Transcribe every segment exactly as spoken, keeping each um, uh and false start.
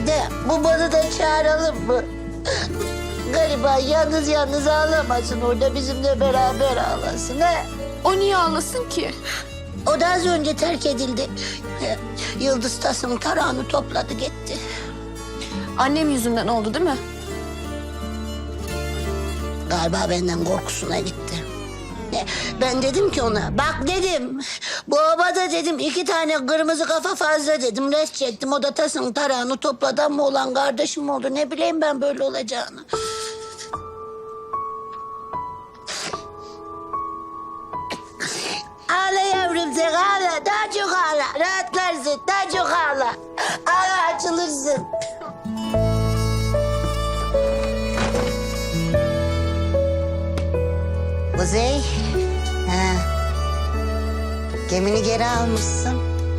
de babanı da çağıralım mı? Gariban yalnız yalnız ağlamasın orada bizimle beraber ağlasın ha. O niye ağlasın ki? O da az önce terk edildi. Yıldız tasım tarağını topladı gitti. Annem yüzünden oldu değil mi? Galiba benden korkusuna gitti. Ben dedim ki ona, bak dedim, bu obada dedim iki tane kırmızı kafa fazla dedim, res çektim. O da tasın tarağını topladı ama olan kardeşim oldu. Ne bileyim ben böyle olacağını. Ağla yavrum sen ağla, daha çok ağla. Rahatlarsın, daha çok ağla. Ağla açılırsın. Kuzey, ha. Gemini geri almışsın.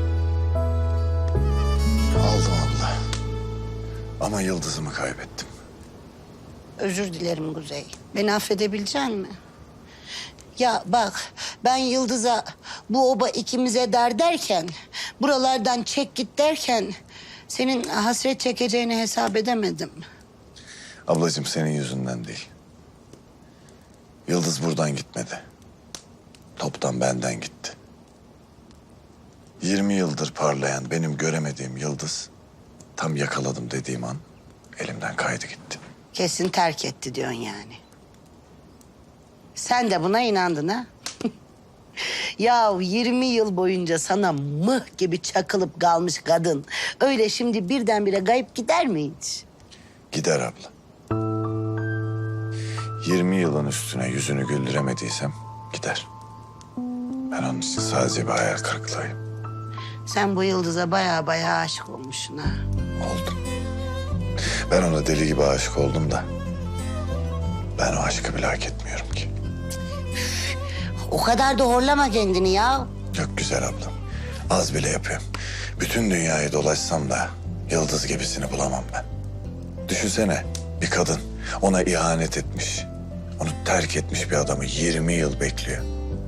Aldım abla. Ama yıldızımı kaybettim. Özür dilerim Kuzey. Beni affedebilecek misin? Ya bak, ben Yıldız'a bu oba ikimize dar derken, buralardan çek git derken, senin hasret çekeceğini hesap edemedim. Ablacığım senin yüzünden değil. Yıldız buradan gitmedi. Toptan benden gitti. Yirmi yıldır parlayan benim göremediğim yıldız... ...tam yakaladım dediğim an elimden kaydı gitti. Kesin terk etti diyorsun yani. Sen de buna inandın ha? Ya yirmi yıl boyunca sana mıh gibi çakılıp kalmış kadın... ...öyle şimdi birdenbire kayıp gider mi hiç? Gider abla. Yirmi yılın üstüne yüzünü güldüremediysem gider. Ben onun için sadece bir hayal kırıklığıyım. Sen bu Yıldız'a baya baya aşık olmuşsun ha. Oldum. Ben ona deli gibi aşık oldum da... ...ben o aşkı bile hak etmiyorum ki. O kadar da horlama kendini ya. Çok güzel ablam. Az bile yapıyorum. Bütün dünyayı dolaşsam da yıldız gibisini bulamam ben. Düşünsene bir kadın ona ihanet etmiş. Onu terk etmiş bir adamı yirmi yıl bekliyor.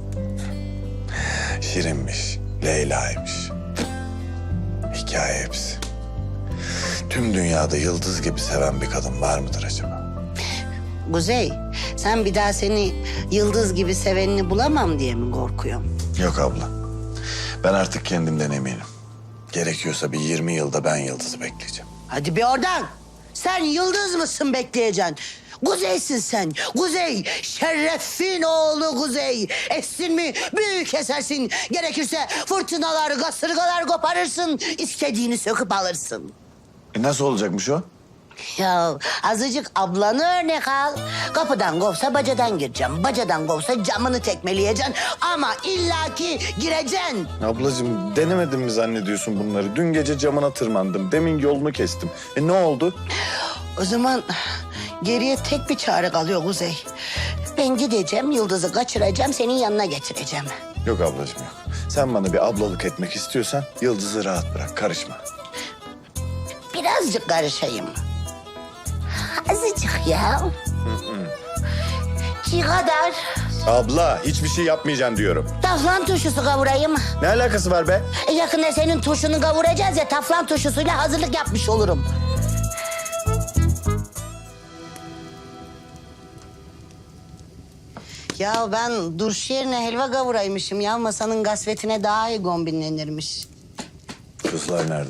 Şirinmiş, Leyla'ymış. Hikaye hepsi. Tüm dünyada yıldız gibi seven bir kadın var mıdır acaba? Kuzey, sen bir daha seni Yıldız gibi sevenini bulamam diye mi korkuyorsun? Yok abla. Ben artık kendimden eminim. Gerekiyorsa bir yirmi yılda ben Yıldız'ı bekleyeceğim. Hadi bir oradan. Sen Yıldız mısın bekleyeceksin? Kuzey'sin sen. Kuzey, şerefin oğlu Kuzey. Essin mi büyük esersin. Gerekirse fırtınalar, kasırgalar koparırsın. İstediğini söküp alırsın. E nasıl olacakmış o? Ya azıcık ablanı örnek al. Kapıdan kovsa bacadan gireceğim. Bacadan kovsa camını tekmeleyeceksin. Ama illaki gireceksin. Ablacığım denemedim mi zannediyorsun bunları? Dün gece camına tırmandım. Demin yolunu kestim. E ne oldu? O zaman geriye tek bir çare kalıyor Kuzey. Ben gideceğim, Yıldız'ı kaçıracağım, senin yanına getireceğim. Yok ablacığım yok. Sen bana bir ablalık etmek istiyorsan Yıldız'ı rahat bırak. Karışma. Birazcık karışayım. Azıcık ya. Ki kadar Abla hiçbir şey yapmayacaksın diyorum. taflan turşusu kavurayım. Ne alakası var be? E, yakında senin turşunu kavuracağız ya, taflan turşusuyla hazırlık yapmış olurum. Ya ben turşu yerine helva kavuraymışım ya. Masanın gasvetine daha iyi kombinlenirmiş. Kızlar nerede?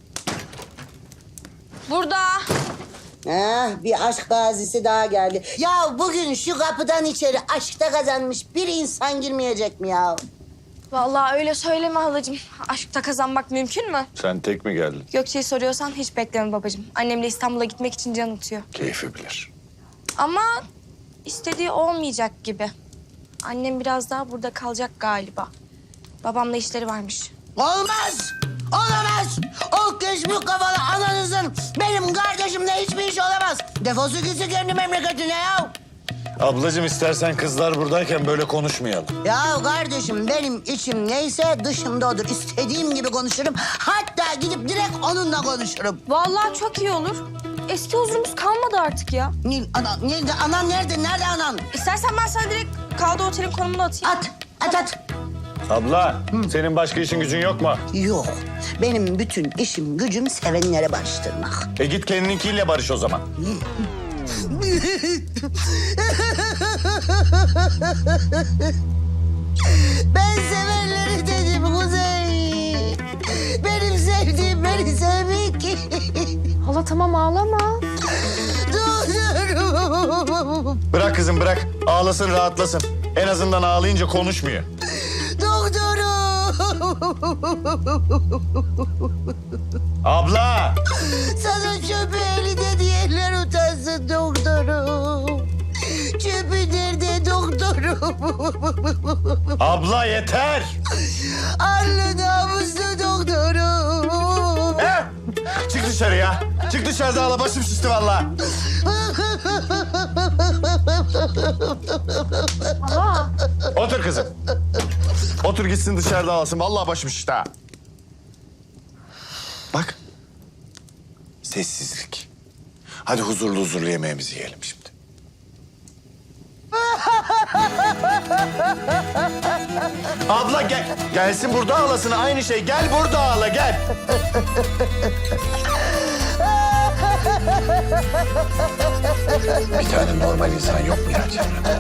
Burada. Ha, bir aşk gazisi daha geldi. Ya bugün şu kapıdan içeri aşkta kazanmış bir insan girmeyecek mi ya? Vallahi öyle söyleme halacığım. Aşkta kazanmak mümkün mü? Sen tek mi geldin? Gökçe'yi soruyorsan hiç bekleme babacığım. Annemle İstanbul'a gitmek için can atıyor. Keyfi bilir. Ama istediği olmayacak gibi. Annem biraz daha burada kalacak galiba. Babamla işleri varmış. Olmaz! Olamaz! O keşmük kafalı ananızın benim kardeşimle hiçbir iş olamaz. Defosu gitsin kendi memleketine ya. Ablacığım istersen kızlar buradayken böyle konuşmayalım. Ya kardeşim benim içim neyse dışımda odur. İstediğim gibi konuşurum. Hatta gidip direkt onunla konuşurum. Vallahi çok iyi olur. Eski huzurumuz kalmadı artık ya. Nil, ana, nerede? Anan nerede? Nerede anan? İstersen ben sana direkt kaldığı otelin konumunu atayım. At, at, at. Abla, senin başka işin gücün yok mu? Yok. Benim bütün işim gücüm sevenlere barıştırmak. E git kendininkiyle barış o zaman. Ben sevenleri dedim Kuzey. Benim sevdiğim beni sevmiyor ki. Hala tamam ağlama. Doktorum. Bırak kızım bırak. Ağlasın rahatlasın. En azından ağlayınca konuşmuyor. Doktorum. Abla! Sana çöpü elinde diyenler utansın doktorum. Çöpü nerede doktorum? Abla yeter! Arlı namuslu doktorum. Eh! Çık dışarı ya. Çık dışarıda ağla başım şişti vallahi. Hala. Otur kızım. Otur gitsin dışarıda ağlasın. Vallahi başım şişti ha. Bak. Sessizlik. Hadi huzurlu huzurlu yemeğimizi yiyelim şimdi. Abla gel. Gelsin burada ağlasın. Aynı şey. Gel burada ağla gel. Bir tane normal insan yok mu ya çevremde?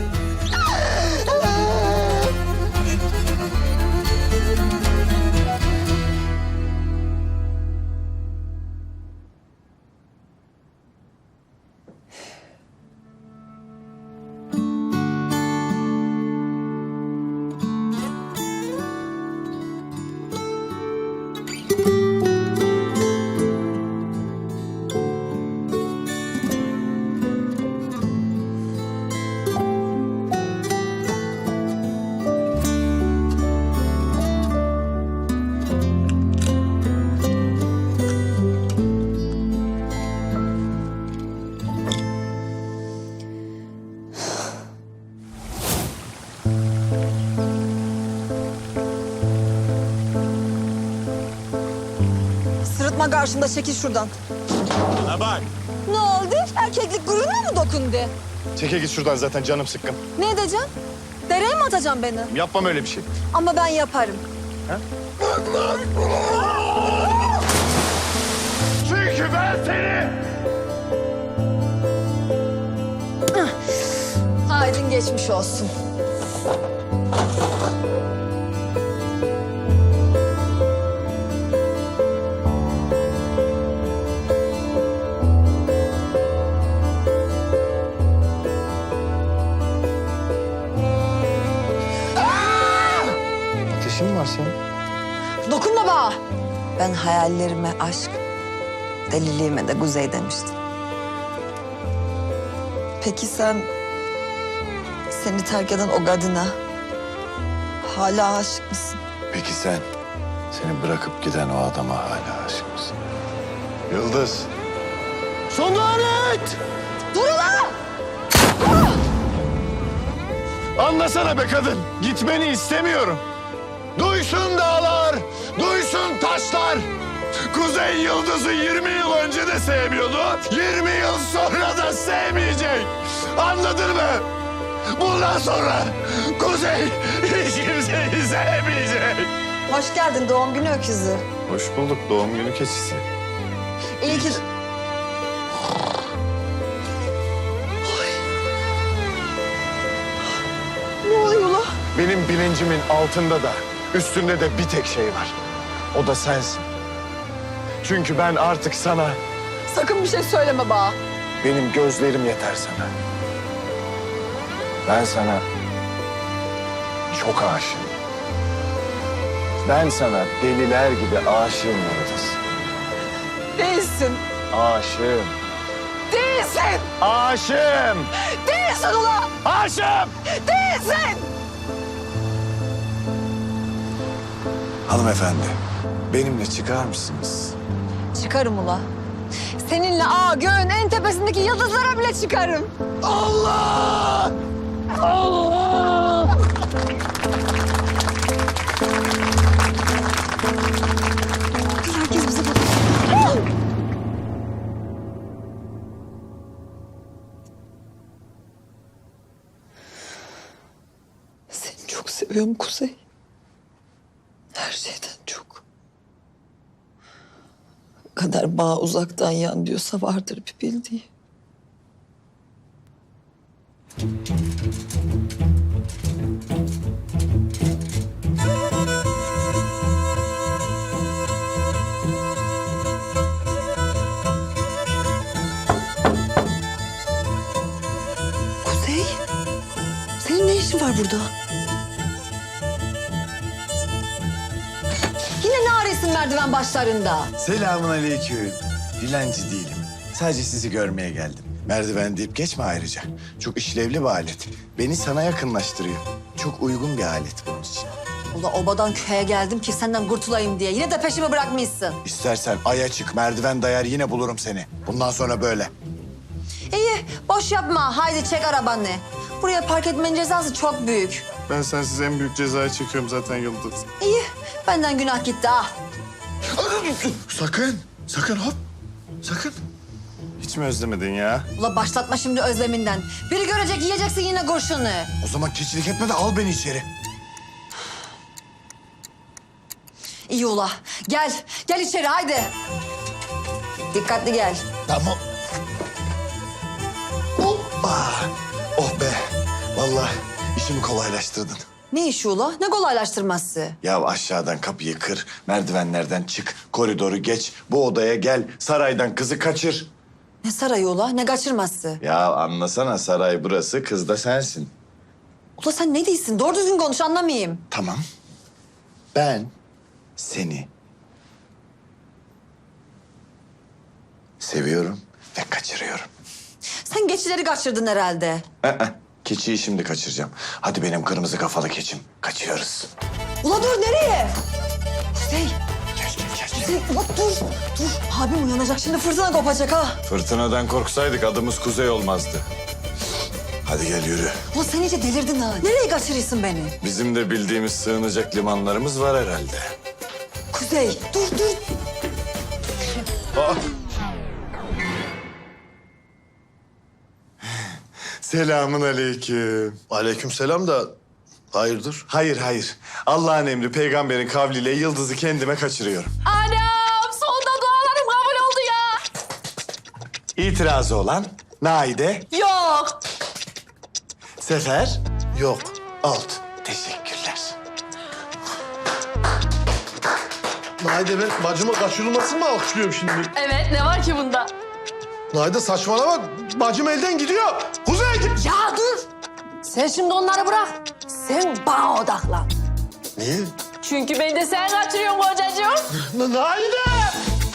Sırıtma karşımda, çekil şuradan. Bana bak. Ne oldu? Erkeklik gururuna mı dokundu? Çeke git şuradan zaten canım sıkkın. Ne edeceğim? Dereye mi atacaksın beni? Yapmam öyle bir şey. Ama ben yaparım. Çünkü ben seni... Haydin geçmiş olsun. Ateşin mi var senin? Dokunma bana. Ben hayallerime aşk, deliliğime de Kuzey demiştim. Peki sen seni terk eden o kadına hala aşık mısın? Peki sen seni bırakıp giden o adama hala aşık mısın? Yıldız. Son lanet! Dur ulan! Anlasana be kadın. Gitmeni istemiyorum. Duysun dağlar, duysun taşlar. Kuzey Yıldız'ı yirmi yıl önce de sevmiyordu. yirmi yıl sonra da sevmeyecek. Anladın mı? Bundan sonra Kuzey hiç kimseyi sevmeyecek. Hoş geldin doğum günü öküzü. Hoş bulduk doğum günü keçisi. İyi ki... Ne oluyor lan? Benim bilincimin altında da üstünde de bir tek şey var. O da sensin. Çünkü ben artık sana, Sakın bir şey söyleme bana. benim gözlerim yeter sana. Ben sana çok aşığım. Ben sana deliler gibi aşığım Yıldız. Değilsin. Aşığım. Değilsin. Aşığım. Değilsin ulan. Aşığım. Değilsin. Hanımefendi, benimle çıkar mısınız? Çıkarım ula. Seninle aa göğün en tepesindeki yıldızlara bile çıkarım. Allah! Allah! Herkes bize bakıyor. Seni çok seviyorum Kuzey. Her şeyden çok. Kadar bağ uzaktan yan diyorsa vardır bir bildiği. Kuzey, senin ne işin var burada? Yine ne arıyorsun merdiven başlarında? Selamun aleyküm. Dilenci değilim. Sadece sizi görmeye geldim. Merdiven deyip geçme ayrıca. Çok işlevli bir alet. Beni sana yakınlaştırıyor. Çok uygun bir alet bunun için. Ula obadan köye geldim ki senden kurtulayım diye. Yine de peşimi bırakmışsın. İstersen aya çık, merdiven dayar yine bulurum seni. Bundan sonra böyle. İyi, boş yapma. Haydi çek arabanı. Buraya park etmenin cezası çok büyük. Ben sensiz en büyük cezayı çekiyorum zaten Yıldız. İyi, benden günah gitti ah. Sakın, sakın hop. Sakın. Hiç mi özlemedin ya? Ula başlatma şimdi özleminden. Biri görecek yiyeceksin yine kurşunu. O zaman keçilik etme de al beni içeri. İyi ula. Gel, gel içeri haydi. Dikkatli gel. Tamam. Hoppa. Oh be. Vallahi işimi kolaylaştırdın. Ne işi ula? Ne kolaylaştırması? Ya aşağıdan kapıyı kır, merdivenlerden çık, koridoru geç, bu odaya gel, saraydan kızı kaçır. Ne sarayı ula? Ne kaçırması? Ya anlasana, saray burası, kız da sensin. Ula sen ne diyorsun? Doğru düzgün konuş anlamayayım. Tamam. Ben seni seviyorum ve kaçırıyorum. Sen geçileri kaçırdın herhalde. Ee, keçiyi şimdi kaçıracağım. Hadi benim kırmızı kafalı keçim. Kaçıyoruz. Ula dur nereye? Kuzey, Gel gel gel. gel. Kuzey ula dur. Dur abim uyanacak şimdi fırtına kopacak ha. Fırtınadan korksaydık adımız Kuzey olmazdı. Hadi gel yürü. Ula sen iyice delirdin ha. Nereye kaçırıyorsun beni? Bizim de bildiğimiz sığınacak limanlarımız var herhalde. Kuzey dur dur. Selamun aleyküm. Aleykümselam da hayırdır? Hayır hayır. Allah'ın emri peygamberin kavliyle Yıldız'ı kendime kaçırıyorum. Anam sonunda dualarım kabul oldu ya. İtirazı olan Naide, Yok. Sefer, Yok. Alt. Teşekkürler. Naide ben bacıma kaçırılmasını mı alkışlıyorum şimdi? Evet ne var ki bunda? Naide saçmalama. Bacım elden gidiyor. Kuzey git. Ya dur. Sen şimdi onları bırak. Sen bana odaklan. Niye? Çünkü beni de sen kaçırıyorsun kocacığım. Na- Naide!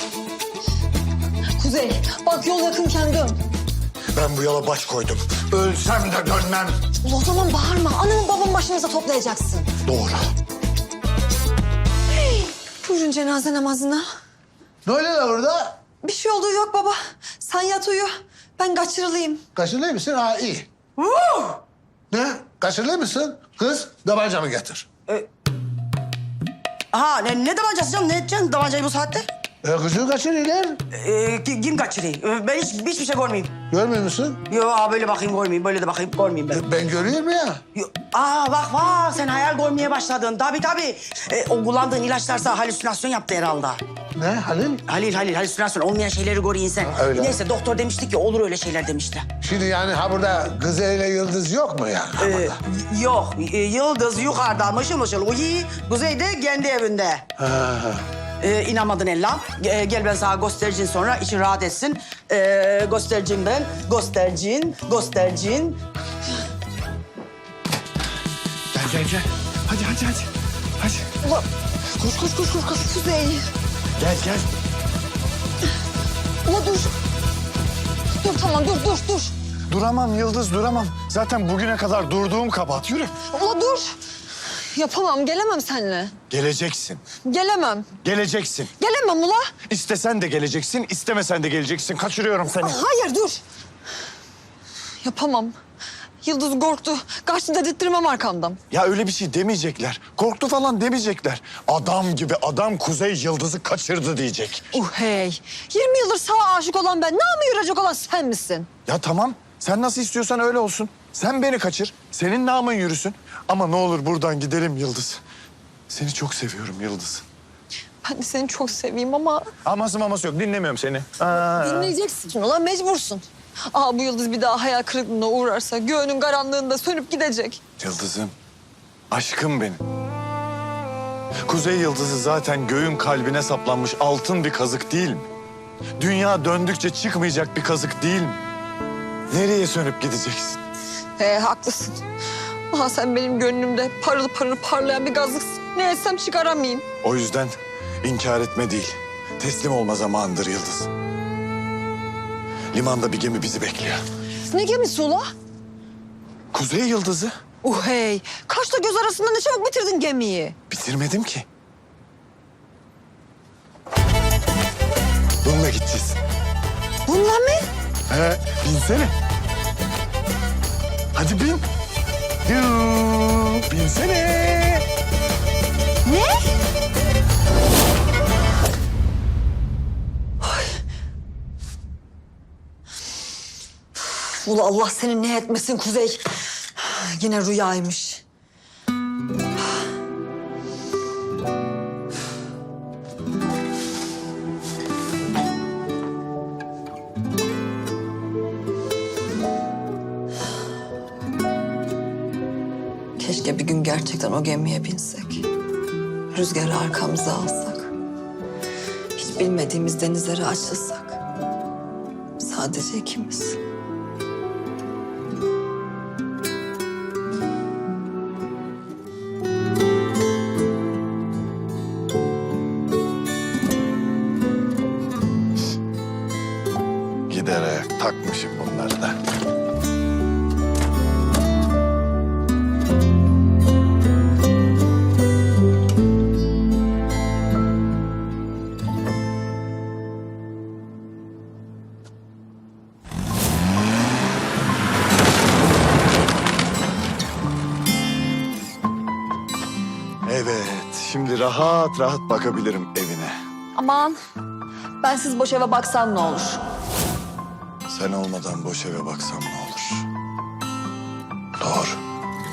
Kuzey bak yol yakınken dön. Ben bu yola baş koydum. Ölsem de dönmem. Ula o zaman bağırma. Anamın babamın başınıza toplayacaksın. Doğru. Buyurun cenaze namazına. Ne oluyor lan orada? Bir şey olduğu yok baba. Sen yat uyu. Ben kaçırılayım. Kaşınıyor musun? Ha iyi. Ne? Kaşınıyor musun? Kız tabancamı getir. Ha ne, ne damancası canım? Ne edeceksin damancayı bu saatte? E, kızı kaçırıyorlar. Ee, ki- kim kaçırıyor? Ee, Ben hiç, hiçbir şey görmeyeyim. Görmüyor musun? Yo aa, böyle bakayım görmeyeyim, böyle de bakayım görmeyeyim ben. E, ben görüyorum ya. Yo, aa bak bak sen hayal görmeye başladın. Tabii tabii. Ee, o kullandığın ilaçlarsa halüsinasyon yaptı herhalde. Ne Halil? Halil Halil halüsinasyon olmayan şeyleri görüyor insan. Ha, öyle. Neyse doktor demişti ki olur öyle şeyler demişti. Şimdi yani ha burada Kızı ile Yıldız yok mu yani? Ha Ee, burada? y- yok y- Yıldız yukarıda mışıl mışıl uyu. Kuzey de kendi evinde. Ha, ha. Ee, inanmadın Ella. Ee, gel ben sana göstereceğim sonra için rahat etsin. Ee, göstereceğim ben. Göstereceğim, göstereceğim. Gel gel gel. Hadi hadi hadi. Hadi. Ula koş koş koş koş. koş. Kuzey. Gel gel. Ula dur. Dur tamam dur dur dur. Duramam Yıldız duramam. Zaten bugüne kadar durduğum kabahat. Yürü. Ula dur. Yapamam gelemem seninle. Geleceksin. Gelemem. Geleceksin. Gelemem ula. İstesen de geleceksin, istemesen de geleceksin. Kaçırıyorum seni. Hayır dur. Yapamam. Yıldız korktu. Kaçtı dedirttirmem arkamdan. Ya öyle bir şey demeyecekler. Korktu falan demeyecekler. Adam gibi adam Kuzey Yıldız'ı kaçırdı diyecek. Uh hey. yirmi yıldır sağa aşık olan ben. Namı yürüyecek olan sen misin? Ya tamam, sen nasıl istiyorsan öyle olsun. Sen beni kaçır, senin namın yürüsün. Ama ne olur buradan gidelim Yıldız. Seni çok seviyorum Yıldız. Ben de seni çok seveyim ama Aması maması yok. Dinlemiyorum seni. Aa. dinleyeceksin. Ulan mecbursun. Aa bu yıldız bir daha hayal kırıklığına uğrarsa göğünün karanlığında sönüp gidecek. Yıldızım. Aşkım benim. Kuzey yıldızı zaten göğün kalbine saplanmış altın bir kazık değil mi? Dünya döndükçe çıkmayacak bir kazık değil mi? Nereye sönüp gideceksin? He haklısın. Aha sen benim gönlümde parıl parıl parlayan bir gazlıksın. Ne etsem çıkaramayayım. O yüzden inkar etme değil, teslim olma zamanıdır Yıldız. Limanda bir gemi bizi bekliyor. Ne gemisi ula? Kuzey yıldızı. Uh hey. Kaşla göz arasında ne çabuk bitirdin gemiyi. Bitirmedim ki. Bununla gideceğiz. Bununla mı? He, binsene. Hadi bin. Yuu, binsene. Ne? Ula Allah senin ne etmesin Kuzey. Yine rüyaymış. Keşke bir gün gerçekten o gemiye binsek. Rüzgarı arkamıza alsak. Hiç bilmediğimiz denizlere açılsak. Sadece ikimiz. Gider ayak takmışım bunları da. Evet, şimdi rahat rahat bakabilirim evine. Aman ben siz boş eve baksam ne olur? Sen olmadan boş eve baksam ne olur? Doğru.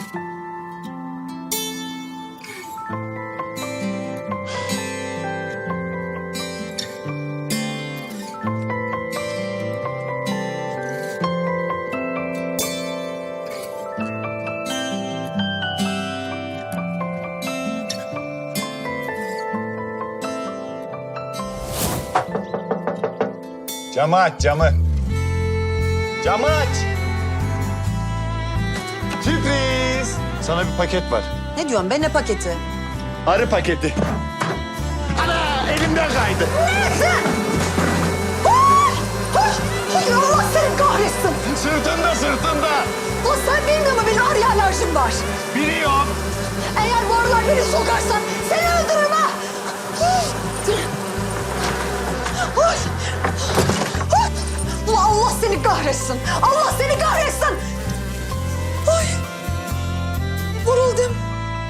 Camı aç, camı. Camı aç. Sürpriz. Sana bir paket var. Ne diyorsun be ne paketi? Arı paketi. Ana elimden kaydı. Hayır Allah seni kahretsin. Sırtında sırtında. Ulan sen bilmiyor musun benim arıya alerjim var. Biliyorum. Eğer bu arılar beni sokarsan seni öldürürüm ha. Ulan Allah seni kahretsin. Allah seni kahretsin. Ay. Vuruldum.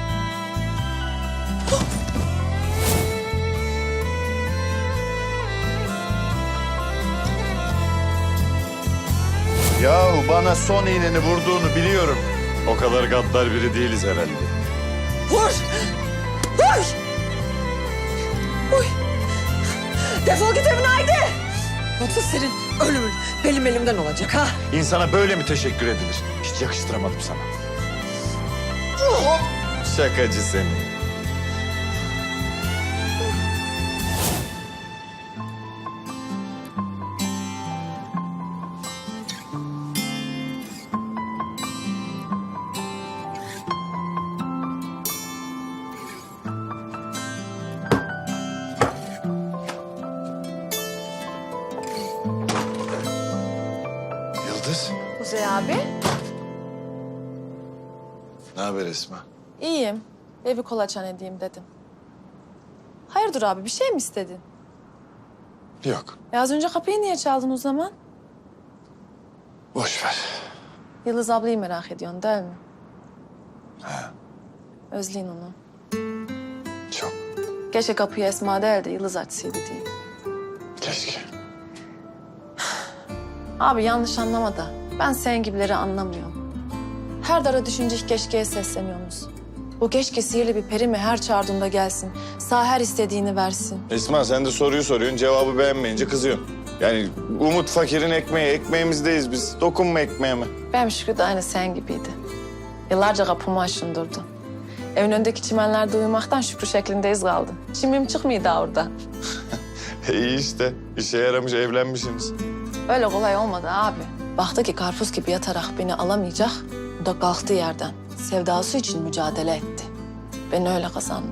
Yahu bana son iğneni vurduğunu biliyorum. O kadar gaddar biri değiliz herhalde. Vur. Vur. Uy. Defol git evine haydi. Yoksa senin ölümün benim elimden olacak ha. İnsana böyle mi teşekkür edilir? Hiç yakıştıramadım sana. Şakacı seni. Yıldız, Kuzey abi. ne haber Esma? İyiyim. Ve bir kolaçan edeyim dedim. Hayırdır abi bir şey mi istedin? Yok, E az önce kapıyı niye çaldın o zaman? boş ver. Yıldız ablayı merak ediyorsun değil mi? He, Özleyin onu. çok. Keşke kapıyı Esma değil de Yıldız açsaydı diyeyim. Keşke. Abi yanlış anlama da ben senin gibileri anlamıyorum. Her dara düşünce keşkeye sesleniyorsunuz. O keşke sihirli bir peri mi her çağırdığında gelsin. Sağ her istediğini versin. Esma sen de soruyu soruyorsun, cevabı beğenmeyince kızıyorsun. Yani Umut fakirin ekmeği, ekmeğimizdeyiz biz. Dokunma ekmeğime. Benim Şükrü de aynı sen gibiydi. Yıllarca kapımı aşındırdı. Evin önündeki çimenlerde uyumaktan Şükrü şeklindeyiz kaldı. Çimim çıkmıyor daha orada. İyi işte, işe yaramış, evlenmişsiniz. Öyle kolay olmadı abi. Baktı ki karpuz gibi yatarak beni alamayacak. O da kalktı yerden. Sevdası için mücadele etti. Beni öyle kazandı.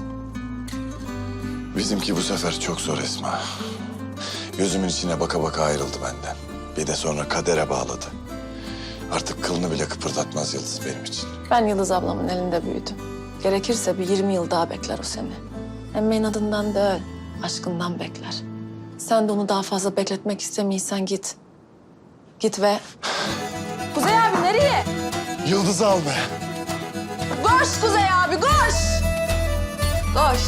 Bizimki bu sefer çok zor Esma. Gözümün içine baka baka ayrıldı benden. Bir de sonra kadere bağladı. Artık kılını bile kıpırdatmaz Yıldız benim için. Ben Yıldız ablamın elinde büyüdüm. Gerekirse bir yirmi yıl daha bekler o seni. Hem inadından değil, aşkından bekler. Sen de onu daha fazla bekletmek istemiyorsan git. Git ve... Kuzey abi nereye? Yıldız'ı al be. Koş Kuzey abi, koş! Koş.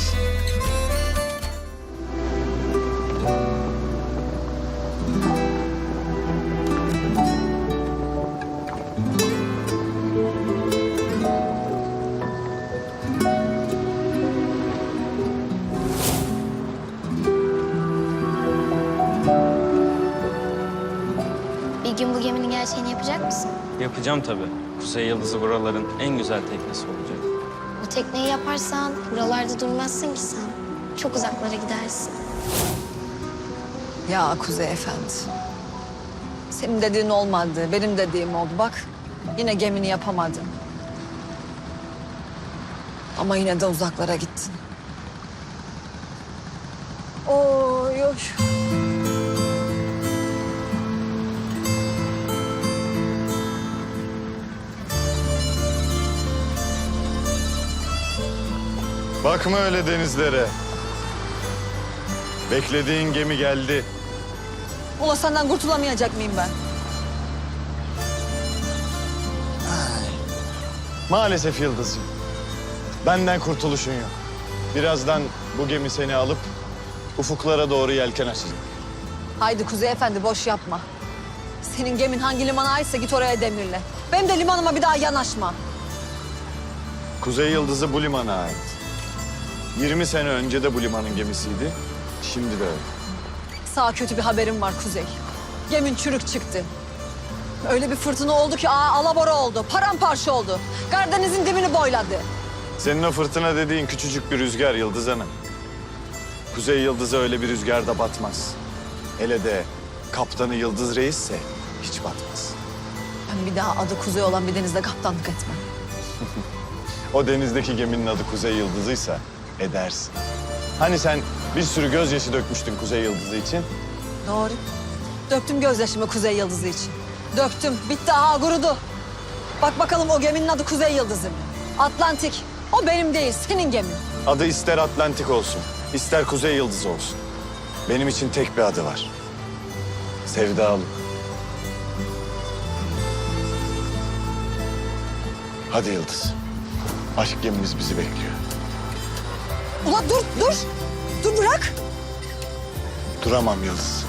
Bir gün bu geminin gerçeğini yapacak mısın? Yapacağım tabii. Kuzey Yıldızı buraların en güzel teknesi olacak. Bu tekneyi yaparsan buralarda durmazsın ki sen. Çok uzaklara gidersin. Ya Kuzey Efendi. Senin dediğin olmadı, benim dediğim oldu. Bak yine gemini yapamadın. Ama yine de uzaklara gittin. Oy oy. Bakma öyle denizlere. Beklediğin gemi geldi. Ula senden kurtulamayacak mıyım ben? Maalesef Yıldız'cığım. Benden kurtuluşun yok. Birazdan bu gemi seni alıp ufuklara doğru yelken açacak. Haydi Kuzey Efendi boş yapma. Senin gemin hangi limana aitse git oraya demirle. Benim de limanıma bir daha yanaşma. Kuzey Yıldızı bu limana ait. yirmi sene önce de bu limanın gemisiydi. Şimdi de öyle. Sağ kötü bir haberim var Kuzey. Gemin çürük çıktı. Öyle bir fırtına oldu ki aa, alabora oldu, paramparça oldu. Karadeniz'in dibini boyladı. Senin o fırtına dediğin küçücük bir rüzgar Yıldız Hanım. Kuzey Yıldızı öyle bir rüzgarda batmaz. Hele de kaptanı Yıldız Reis'se hiç batmaz. Ben bir daha adı Kuzey olan bir denizde kaptanlık etmem. O denizdeki geminin adı Kuzey Yıldızı'ysa edersin. Hani sen bir sürü gözyaşı dökmüştün Kuzey Yıldızı için? Doğru. Döktüm gözyaşımı Kuzey Yıldızı için. Döktüm. Bitti. Aa kurudu. Bak bakalım o geminin adı Kuzey Yıldızı mı? Atlantik. O benim değil, senin gemin. Adı ister Atlantik olsun, ister Kuzey Yıldızı olsun. Benim için tek bir adı var. Sevdalık. Hadi Yıldız. Aşk gemimiz bizi bekliyor. Ula dur, dur. Dur bırak. Duramam Yıldız.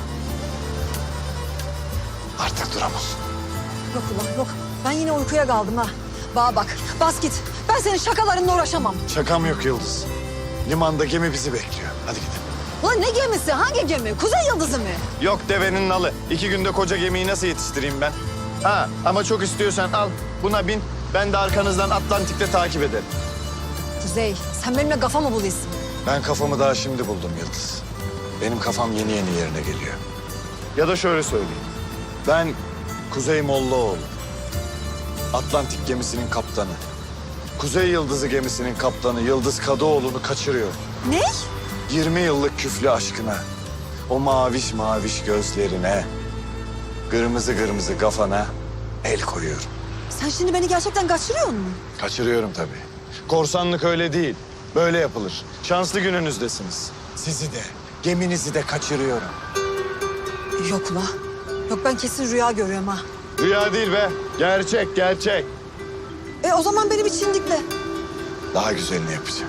Artık duramam. Yok ulan yok. Ben yine uykuya kaldım ha. Bana bak, bas git. Ben senin şakalarınla uğraşamam. Şakam yok Yıldız. Limanda gemi bizi bekliyor. Hadi gidelim. Ulan ne gemisi? Hangi gemi? Kuzey Yıldızı mı? Yok devenin nalı. İki günde koca gemiyi nasıl yetiştireyim ben? Ha ama çok istiyorsan al buna bin. Ben de arkanızdan Atlantik'te takip ederim. Kuzey, sen benimle kafa mı buluyorsun? Ben kafamı daha şimdi buldum Yıldız. Benim kafam yeni yeni yerine geliyor. Ya da şöyle söyleyeyim. Ben Kuzey Mollaoğlu. Atlantik gemisinin kaptanı. Kuzey Yıldızı gemisinin kaptanı Yıldız Kadıoğlu'nu kaçırıyor. Ne? yirmi yıllık küflü aşkına, o maviş maviş gözlerine, kırmızı kırmızı kafana el koyuyorum. Sen şimdi beni gerçekten kaçırıyor musun? Kaçırıyorum tabii. Korsanlık öyle değil. Böyle yapılır. Şanslı gününüzdesiniz. Sizi de, geminizi de kaçırıyorum. Yok ula. Yok ben kesin rüya görüyorum ha. Rüya değil be. Gerçek, gerçek. E o zaman beni bir çindikle. Daha güzelini yapacağım.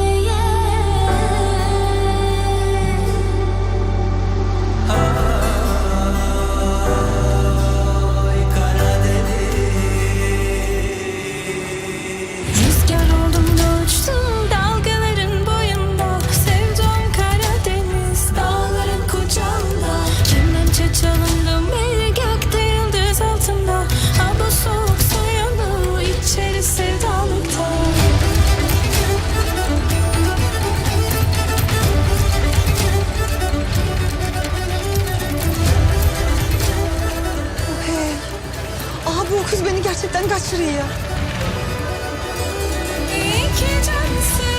Ah gerçekten kaçırıyor ya. İyi ki cansın.